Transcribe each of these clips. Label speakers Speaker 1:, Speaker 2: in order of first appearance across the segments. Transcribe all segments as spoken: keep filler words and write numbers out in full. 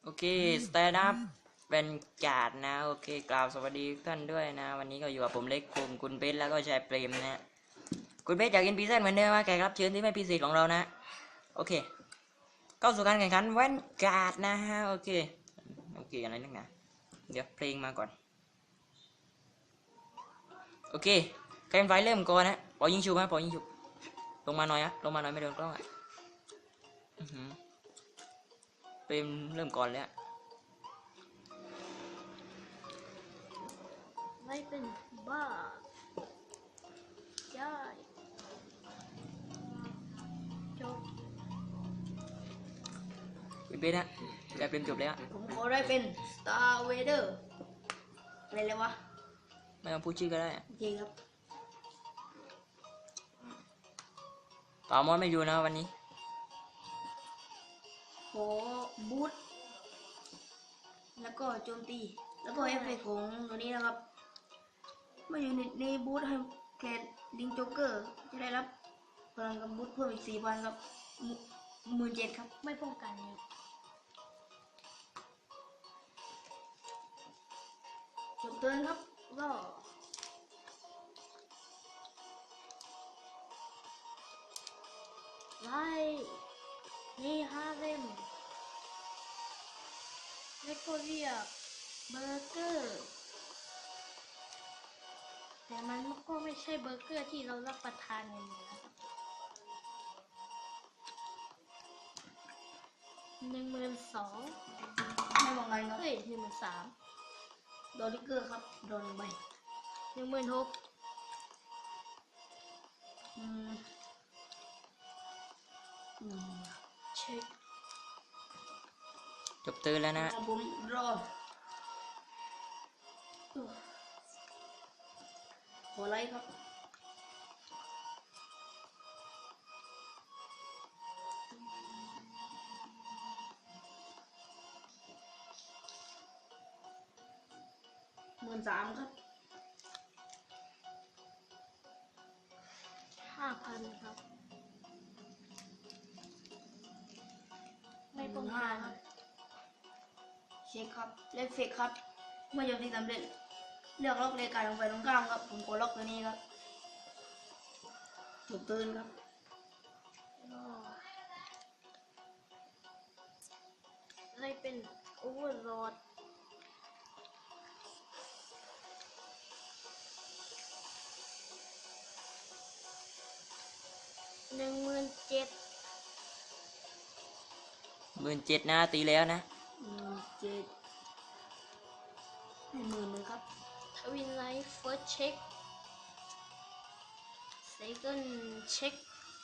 Speaker 1: โอเคสแตนด์อัพเป็นการ์ดนะโอเคกล่าวสวัสดีทุกท่านด้วยนะวันนี้ก็อยู่กับผมเล็กคุมคุณเบสแล้วก็ชายเปรมนะคุณเบสอยากกินพิซซ่าเหมือนเดิมไหมแขกรับเชิญที่ไม่พิเศษของเรานะโอเคเข้าสู่การแข่งขันแว่นการ์ดนะฮะโอเคโอเคอะไรนักหนาเดี๋ยวเพลงมาก่อนโอเคใครเป็นไฟเริ่มก่อนนะปอยิงชุบไหมปอยิงชุบลงมาหน่อยอะลงมาหน่อยไม่โดนกล้องอะเปรมเริ่มก่อนเลยอะ
Speaker 2: ไม่เป็นบ้าได้จบ
Speaker 1: คุณเบสนะชายเปรมจบเลยอะ
Speaker 3: ผมขอได้เป็น Star Vader อะไรเลยวะ
Speaker 1: ไม่ต้องพูดชื่อก็ได้
Speaker 3: โอเคครับ
Speaker 1: ป่ามอนไม่อยู่นะวันนี้
Speaker 3: ขอบูทแล้วก็โจมตีแล้วก็เอฟเฟกต์ของตัวนี้นะครับเมื่ออยู่ในในบูทให้แคลลิงโจ๊กเกอร์จะได้รับพลังกับบูทเพิ่มอีกสี่พันครับหมื่นเจ็ดครับ
Speaker 2: ไม่ป้องกันเนี่ย
Speaker 3: จบเตือนครับ
Speaker 2: ก็ไล่นี่ฮาเร็มแล้วก็เรียกเบอร์เกอร์แต่มันก็ไม่ใช่เบอร์เกอร์ที่เรารับประทานกันนะครับหนึ่งหมื่นสอง
Speaker 3: ไม่มองกันครับ
Speaker 2: เฮ้ยหนึ่งหมื่นสาม
Speaker 3: โดนลิกเกอร์ครับโดนใบ
Speaker 2: หนึ่งหมื่นหก
Speaker 3: อืมอืม
Speaker 2: เช็ค
Speaker 1: จบเตือนแล้วนะ
Speaker 3: ผมรอขอไลค์ครับหมื่นสามครับ
Speaker 2: ห้าพันครับไม่ป้องกัน
Speaker 3: เช็คครับเลขเฟกครับเมื่อโจมตีสำเร็จเลือกล็อกเลขการลงไปตรงกลางครับผมกดล็อกตัวนี้ครับถูกตื่นครับ
Speaker 2: อะไรเป็นโอเวอร์โหลดหนึ่งหมื่นเจ็ด
Speaker 1: หมื่นเจ็ดนะตีแล้วนะ
Speaker 3: หมื่นเจ็ดให้หมื่นหนึ่งครับ
Speaker 2: ทวินไลท์เฟิร์สเช็คเซคันด์เช็ค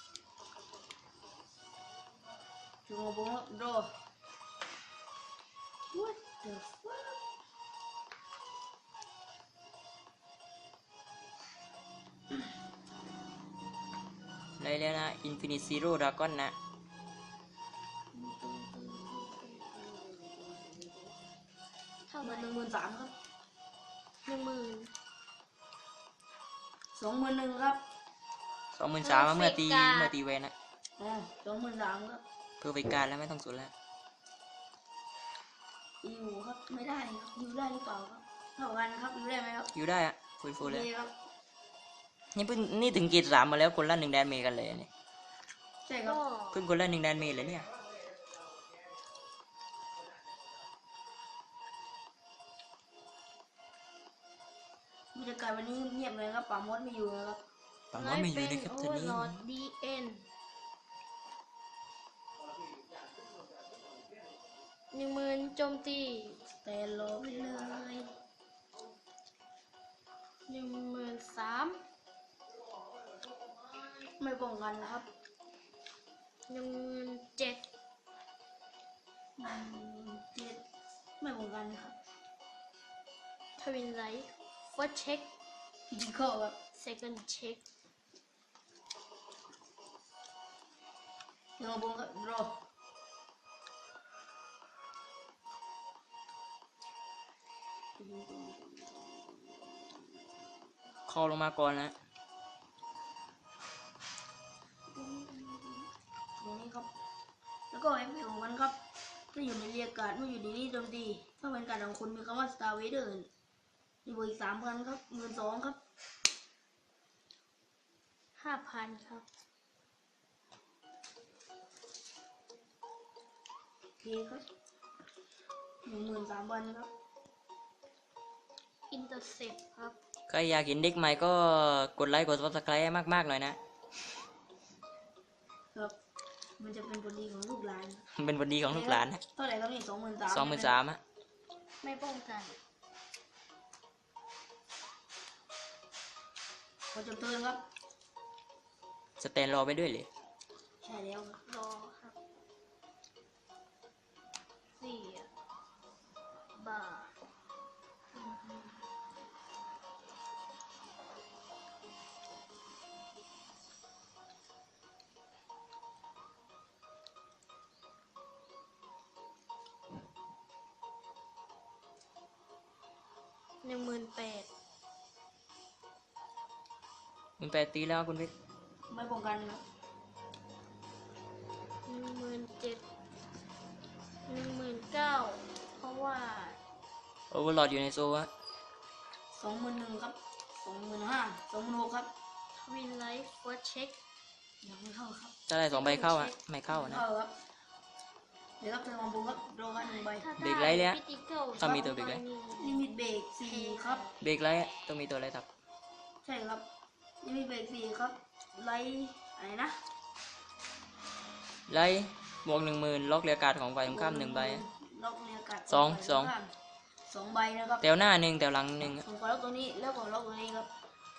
Speaker 3: ถึงเอาบุ้งครับรอ What the fuck
Speaker 1: ได้แล้วนะ Infinite Zero Dragon นะ
Speaker 2: เท่าไห
Speaker 3: ห
Speaker 2: ร่
Speaker 3: นึ่งหมื่นสามครับ
Speaker 2: หนึ่งหมื่น
Speaker 3: สองหมื่นหนึ่งครับ
Speaker 1: สองหมื่นสามเมื่อตีเมื่อตีเวนนะ
Speaker 3: อ๋อสองหมื่นสามครับ
Speaker 1: เพอร์เฟกต์การแล้วไม่ต้องสุดแล้ว
Speaker 3: อยู่ครับไม่ได้ครับอยู่ได้หรือเปล่าครับเท่ากันครับอยู่ได้ไหมครับ
Speaker 1: อยู่ได้อะฟูลฟูลเลย
Speaker 3: ครับ
Speaker 1: นี่เพิ่งนี่ถึงเกรดสามมาแล้วคนละหนึ่งแดนเมกันเลยนี่
Speaker 3: ใช่ครับ
Speaker 2: ก็
Speaker 1: เพิ่งคนละหนึ่งแดนเมเลยเนี่ย
Speaker 3: บรรยากาศวันนี้เงียบเลยครับป่ามดไม่อยู่นะครับ
Speaker 1: ป่ามอนไม่อยู่นะครับตอนนี้
Speaker 2: โอเวอร์โหลดดีเอ็นหนึ่งหมื่นโจมตี
Speaker 3: แต่รอไปเลย
Speaker 2: หนึ่งหมื่นสาม
Speaker 3: ไม่ป้องกันนะครับ
Speaker 2: หนึ่งหมื่นเจ็ด
Speaker 3: หนึ่งเจ็ดไม่ป้องกันครับ
Speaker 2: ทวินไลท์เฟิร์สเช็ค
Speaker 3: ยิงเข้าครับ
Speaker 2: เซคันด์เช็ค
Speaker 3: เงาบงครับรอ
Speaker 1: คอลงมาก่อนนะ
Speaker 3: ตรงนี้ครับแล้วก็เอฟเฟกต์ของมันครับถ้าอยู่ในเรียกการ์ดเมื่ออยู่ในนี้โจมตีถ้าเป็นการดของคุณมีคำว่า Star Vader มีบวกอีกสามพันครับหมื่นสองครับ
Speaker 2: ห้าพันครับ
Speaker 3: โอเคครับหนึ่งหมื่นสามพันครับ
Speaker 2: อินเตอร์เซปครับ
Speaker 1: ใครอยากเห็นเด็กใหม่ก็กดไลค์กด subscribe ให้มากๆหน่อยนะ
Speaker 3: ครับ มันจะเป็นผลดีของลูกหลาน
Speaker 1: เป็นวันดีของลูกหลานนะ
Speaker 3: เท่าไหร่ครับนี่สองหมื่นสาม
Speaker 1: สองหมื่นสามอะ
Speaker 2: ไม่ป้องกัน
Speaker 3: พอจบเทิร์นครับ
Speaker 1: สแตนรอไปด้วยเลย
Speaker 3: ใช่แล้วครับ
Speaker 2: รอครับสี่บาทอือฮึหนึ่งหมื่นแปด
Speaker 1: มันแปดตีแล้วคุณเพชร
Speaker 3: ไม่ป้องกันครับ
Speaker 2: หนึ่งหมื่นเจ็ดหนึ่งหมื่นเก้าเพราะว่า
Speaker 1: โอเวอร์ลอดอยู่ในโซ่อะ
Speaker 3: สองหมื่นหนึ่งครับสองหมื่นห้าสองหมื่นหกครับ
Speaker 2: ทวินไลฟ์เฟิร์สเช็ค
Speaker 3: ยังไม่เข้าครับ
Speaker 1: ถ้าได้สองใบเข้าอะไม่เข้านะ
Speaker 3: เข้าครับเดี๋ยวครับเทิร์นของผมครับโดกันหนึ่งใบ
Speaker 2: ถ้า
Speaker 1: เบรกไลท์เลยอะ
Speaker 2: พิติเกิล
Speaker 1: ถ้ามีตัวเบรกไลท์
Speaker 3: ลิมิตเบรกสี่ครับ
Speaker 1: เบรกไลท์อะต้องมีตัวอะไรทับ
Speaker 3: ใช่ครับลิมิตเบรกสี่ครับไลท์อะไรนะ
Speaker 1: ไลท์บวกหนึ่งหมื่นล็อกเรียกการ์ดของฝ่ายตรงข้ามหนึ่งใบอะ
Speaker 3: ล็อกเรียกัด
Speaker 1: สอง
Speaker 3: ไป
Speaker 1: สอง
Speaker 3: ข้ามสองใบนะครับ
Speaker 1: แถวหน้าหนึ่งแถวหลังหนึ่งอะ
Speaker 3: ผมขอล็อกตัวนี้แล้วก็ล็อกตัวนี้ครับ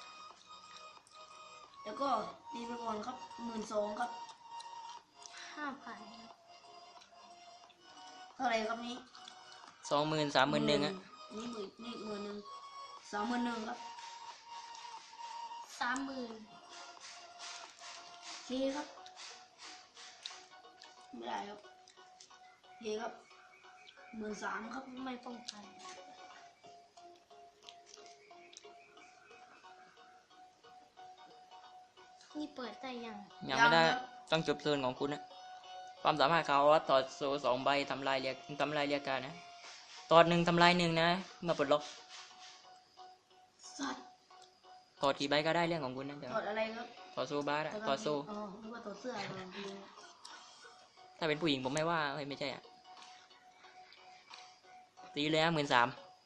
Speaker 3: แล้วก็ตีไปก่อนครับหมื่นสองครับ
Speaker 2: ห้าพัน
Speaker 3: เท่าไหร่ครับนี้
Speaker 1: สองหมื่นสามหมื่นหนึ่งอะ
Speaker 3: นี่หมื่นนี่หมื่นหนึ่งสามหมื่นหนึ่งครับ
Speaker 2: สามหมื่น
Speaker 3: โอเคครับไม่ได้ครับโอเคครับหมื่นสามครับ
Speaker 2: ไม่ป้องกัน นี่เปิดได้ยัง
Speaker 1: ยังไม่ได้ต้องจบเทิร์นของคุณนะความสามารถเขาว่าถอดโซ่สองใบทำลายเรียกทำลายเรียกการดนะถอดหนึ่งทำลายหนึ่งนะเมื่อปลดล็อก
Speaker 3: สัตว์
Speaker 1: ถอดกี่ใบก็ได้เรื่องของคุณนะเดี๋ยว
Speaker 3: ถอดอะไรครับ
Speaker 1: ถอดโซ่บาร์อะถอดโซ่
Speaker 3: อ๋อนึกว่าถอดเสื้ออะไรจริง
Speaker 1: ถ้าเป็นผู้หญิงผมไม่ว่าเฮ้ยไม่ใช่อ่ะตีเลยหมื่นสาม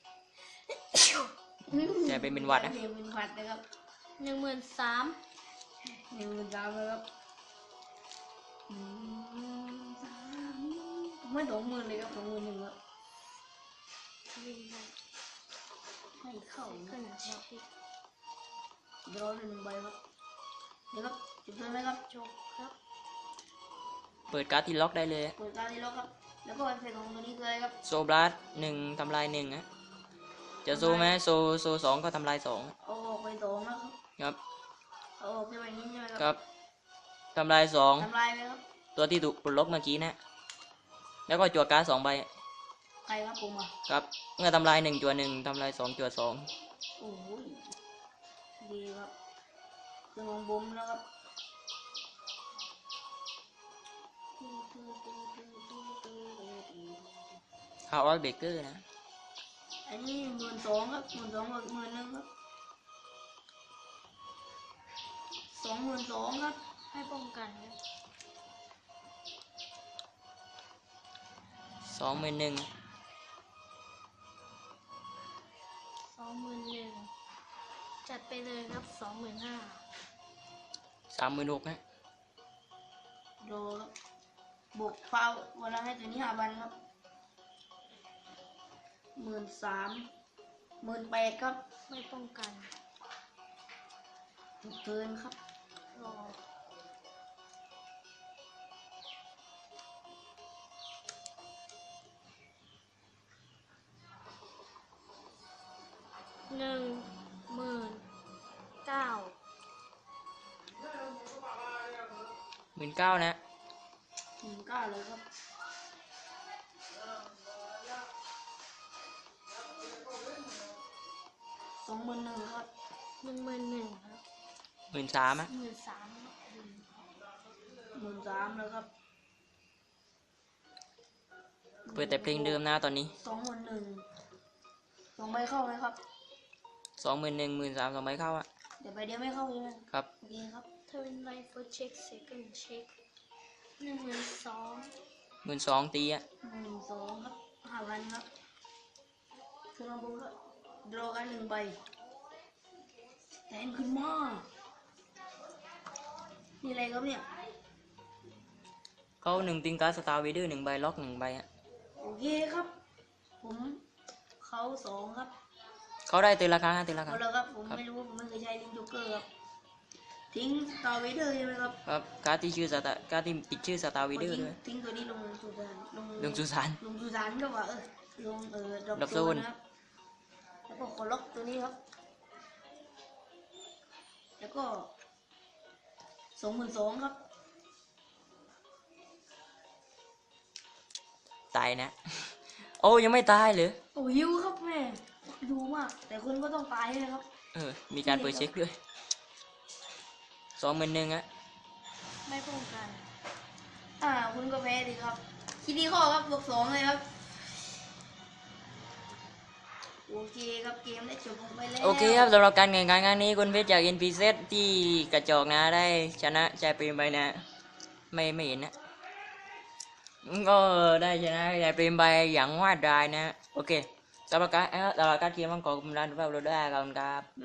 Speaker 1: จะเป็นเป็นหวัดนะ
Speaker 3: เรียนเป็นหวัดนะครับ
Speaker 2: หนึ่งหมื่นสาม
Speaker 3: หนึ่งหมื่นสามเลยครับอืมสามไม่สองหมื่นเลยครับสองหมื่นหนึ่งครับ
Speaker 2: ทวินไลฟ์
Speaker 3: ให้เข้า
Speaker 2: ขึ้
Speaker 3: นะ
Speaker 2: นเช็ค
Speaker 3: เดี๋ยวรอหนึ่งใบครับเดี๋ยวครับจุดเทิร์นไหมครับ
Speaker 2: จบครับ
Speaker 1: เปิดการ์ดที่ล็อกได้เลย
Speaker 3: เปิดการที่ล็อกครับ แล้วก็เอฟเฟกต์ของตัวนี้คืออะไรครับ
Speaker 1: โซบลัสหนึ่งทำลายหนึ่งนะจะโซไหมโซโซสองก็ทำลายสอง
Speaker 3: เอาออกไปสองนะครับ
Speaker 1: ครับ
Speaker 3: เอาออกไปแบบนี้ใช่ไหมครับ
Speaker 1: ครับทำลายสอง
Speaker 3: ทำลายไหมครับ
Speaker 1: ตัวที่ถูกปลดล็อกเมื่อกี้นะ แล้วก็จั่วการ์ดสองใบ
Speaker 3: ใครครับผมอ่ะ
Speaker 1: ครับเมื่อทำลายหนึ่งจั่วหนึ่งทำลายสองจั่วสอง
Speaker 3: โอ้โหดีครับเรื่องของผมนะครับ
Speaker 1: ฮาวเบเกอร์นะ
Speaker 3: อันนี้หมื่นสองครับหมื่นสองกับหมื่นหนึ่งครับสองหมื่นสองครับ
Speaker 2: ให้ป้องกันครับ
Speaker 1: สองหมื่นหนึ่ง
Speaker 2: สองหมื่นหนึ่งจัดไปเลยครับสองหมื่นห้า
Speaker 1: สามหมื่นหกนะ
Speaker 3: โดครับบวกเฝ้าวันละให้ตัวนี้ห้าพันครับหมื่นสามหมื่นแปดครับ
Speaker 2: ไม่ป้องกัน
Speaker 3: ถูกเทิร์นครับ
Speaker 2: รอหนึ่งหมื่นเก้า
Speaker 1: หมื่นเก้านะ
Speaker 3: หมื่นเก้าเลยครับสองหมื่นหนึ่งครับ
Speaker 2: หนึ่งหมื่นหนึ่งครับ
Speaker 1: หมื่นสามอะ
Speaker 2: หมื่นสาม
Speaker 3: หมื่นสามแล้วครับ
Speaker 1: เปิดแต่เพลงเดิมนะตอนนี้
Speaker 3: สองหมื่นหนึ่งสองใบเข้าไหมครับ
Speaker 1: สองหมื่นหนึ่งหมื่นสามสองใบเข้าอะ
Speaker 3: เดี๋ยวใบเดียวไม่เข้าใช่ไหม
Speaker 1: ครับ
Speaker 3: โอเคครับ
Speaker 2: เทอร์นไลฟ์ first check second check หนึ่งหมื่นสอง
Speaker 1: หมื่นสองตีอะ
Speaker 3: หนึ่งสองครับห้าพันครับขึ้นมาบนครับดรอกันหนึ่งใบแทนขึ้นมานี่อะไรครับเนี่ย
Speaker 1: เขาหนึ่งติงการสตาร์วีเดอร์หนึ่งใบล็อกหนึ่งใบอะ
Speaker 3: โอเคครับ ผมเขาสองครับ
Speaker 1: เขาได้ตีราคาตีราคา
Speaker 3: เอาละครับผมไม่รู้ผมไม่เคยใช้ลิงโจ๊กเกอร์ครับทิ้งสตาร์เวเดอร์ใช่ไหมครับ
Speaker 1: ครับการดที่ชื่อสตาร์การดที่ติดชื่อสตาร์วีเดอร์
Speaker 3: ทิ้ง
Speaker 1: ด้วย
Speaker 3: ทิ้งตัวนี้ลงสุสานลง
Speaker 1: ลงสุสาน
Speaker 3: ลงสุสานก็ว่าเออลงเออด
Speaker 1: ดร
Speaker 3: ร
Speaker 1: อ
Speaker 3: อ
Speaker 1: ป
Speaker 3: ป
Speaker 1: โซ
Speaker 3: โซ
Speaker 1: น
Speaker 3: นนะครับแล้วก็ขอล็อกตัวนี้ครับ แล้วก็สองหมื่นสองครับ
Speaker 1: ตายนะ โอ้ยังไม่ตายเหรอ
Speaker 3: โอ้หิวครับแม่ดูมาก แต่คุณก็ต้องตายนะครับ
Speaker 1: เออมีการเปิดเช็คด้วยสองหมื่นหนึ่งอะ
Speaker 2: ไม่ป้องกัน
Speaker 3: อ่าคุณก็แพ้ดิครับคิดดีข้อครับบวกสองเลยครับโอเคครับเกมได้จบลงไปแล้ว
Speaker 1: โอเคครับสำหรับการแข่งขันครั้งนี้คุณเพชรจาก เอ็น พี เซด ที่กระจอกนะได้ชนะชายเปรมไปนะ ไม่ไม่เห็นนะก็ได้ชนะชายเปรมไปอย่างว่าดายนะโอเคสำหรับการเอ่อสำหรับการเกมต้องขอบคุณร้านทุกท่านด้วยครับขอบคุณครับ